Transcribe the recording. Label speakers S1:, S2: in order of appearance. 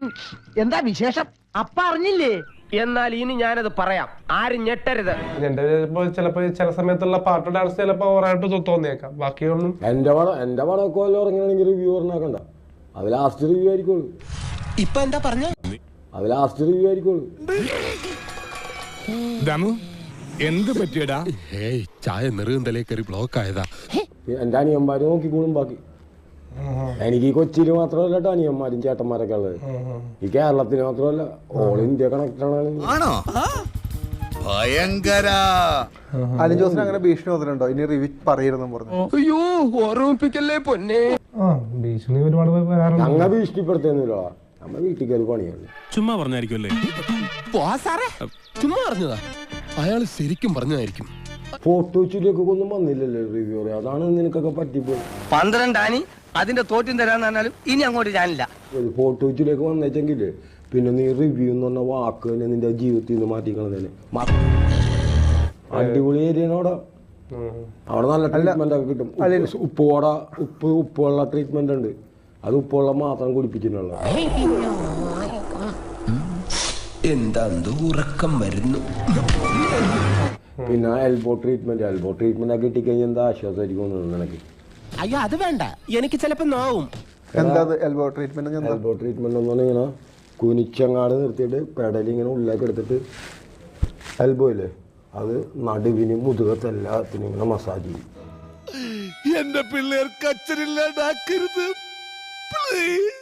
S1: എന്താ വിശേഷം? അപ്പ അറിഞ്ഞില്ലേ?
S2: എന്നാൽ ഇനി ഞാനത് പറയാം, ആരും ഞെട്ടരുത്.
S3: എന്റെ ചിലപ്പോ ചില സമയത്തുള്ള പാട്ട് ഡാൻസ് ചിലപ്പോ ഓവറായിട്ട് തോന്നിയേക്കാം. ബാക്കിയൊന്നും
S4: എന്റെ പടമൊക്കെ വല്ല ഉറങ്ങണമെങ്കിൽ റിവ്യൂ പറഞ്ഞാക്കണ്ട. അത് ലാസ്റ്റ് റിവ്യൂ ആയിരിക്കുള്ളൂ.
S2: ഇപ്പൊ എന്താ പറഞ്ഞ?
S4: അത് ലാസ്റ്റ് റിവ്യൂ ആയിരിക്കുള്ളൂ.
S5: എന്ത് പറ്റിയടാ? ചായ നെറുകന്തലേ കയറി ബ്ലോക്ക് ആയതാ.
S4: എന്റെ അനിയന്മാര് നോക്കിക്കോളും ബാക്കി. എനിക്ക് ഈ കൊച്ചിയിൽ മാത്രമല്ല കേട്ടോ അനിയന്മാരും ചേട്ടന്മാരൊക്കെ ഉള്ളത്. ഈ കേരളത്തിന് മാത്രമല്ല, ഓൾ ഇന്ത്യ കണക്റ്റാണ്.
S6: അലിൻ ജോസിന് അങ്ങനെ ഭീഷണി വന്നിട്ടുണ്ടോ? ഇനി റിവ്യൂ പറയരുതെന്നും പറഞ്ഞു.
S2: അയ്യോ, ഓർമ്മിപ്പിക്കല്ലേ പൊന്നെ.
S3: ഭീഷണി ഒരുപാട് വരാറുണ്ട്.
S4: ഞങ്ങൾ ഭീഷണിപ്പെടുത്തുന്നില്ല, നമ്മ വീട്ടിൽ കയറി പണിയാണ്.
S5: ചുമ്മാ പറഞ്ഞായിരിക്കുമല്ലേ?
S2: ചുമ്മാ പറഞ്ഞതാ.
S5: അയാൾ ശരിക്കും പറഞ്ഞതായിരിക്കും.
S4: ഫോട്ടോ വെച്ചിലേക്ക് ഒന്നും വന്നില്ലല്ലോ റിവ്യൂ. അതാണ് നിനക്കൊക്കെ പറ്റിപ്പോയി.
S2: 12 ആനി അതിന്റെ തോറ്റും തരാന്ന് പറഞ്ഞാലും ഇനി അങ്ങോട്ട് ഞാനില്ല.
S4: ഫോട്ടോ വെച്ചിലേക്ക് വന്നേച്ചെങ്കില് പിന്നെ നീ റിവ്യൂ എന്ന് പറഞ്ഞ വാക്ക് തന്നെ നിന്റെ ജീവിതത്തിൽ നിന്ന് മാറ്റിക്കളഞ്ഞേ. അടിപൊളി ഏരിയ അവിടെ. അവിടെ നല്ല ട്രീറ്റ്മെന്റ് ഒക്കെ കിട്ടും. ഉപ്പുള്ള ട്രീറ്റ്മെന്റ് ഉണ്ട്. അത് ഉപ്പുവെള്ളം മാത്രം കുടിപ്പിച്ചിട്ടുള്ള.
S2: എന്താ ഉറക്കം വരുന്നു.
S4: പിന്നെ എൽബോ ട്രീറ്റ്മെന്റ് ഒക്കെ കിട്ടിക്കഴിഞ്ഞാൽ എന്താ ആശ്വാസമായിരിക്കും നിനക്ക്?
S2: അയ്യോ, അത് വേണ്ട, എനിക്ക് ചിലപ്പോ നോവും.
S6: എന്താ എൽബോ ട്രീറ്റ്മെന്റ്?
S4: എൽബോ ട്രീറ്റ്മെന്റ് എന്ന് പറഞ്ഞാൽ ഇങ്ങനെ കുനിച്ചങ്ങാട് നിർത്തിയിട്ട് പെടലി ഇങ്ങനെ ഉള്ളിലേക്ക് എടുത്തിട്ട് എൽബോ ഇല്ലേ, അത് നടുവിനും മുതുകത്തെല്ലാത്തിനും ഇങ്ങനെ മസാജ് ചെയ്യും.
S5: എന്റെ പിള്ളേർക്ക് അച്ഛനില്ലാണ്ടാക്കരുത് പ്ലീസ്.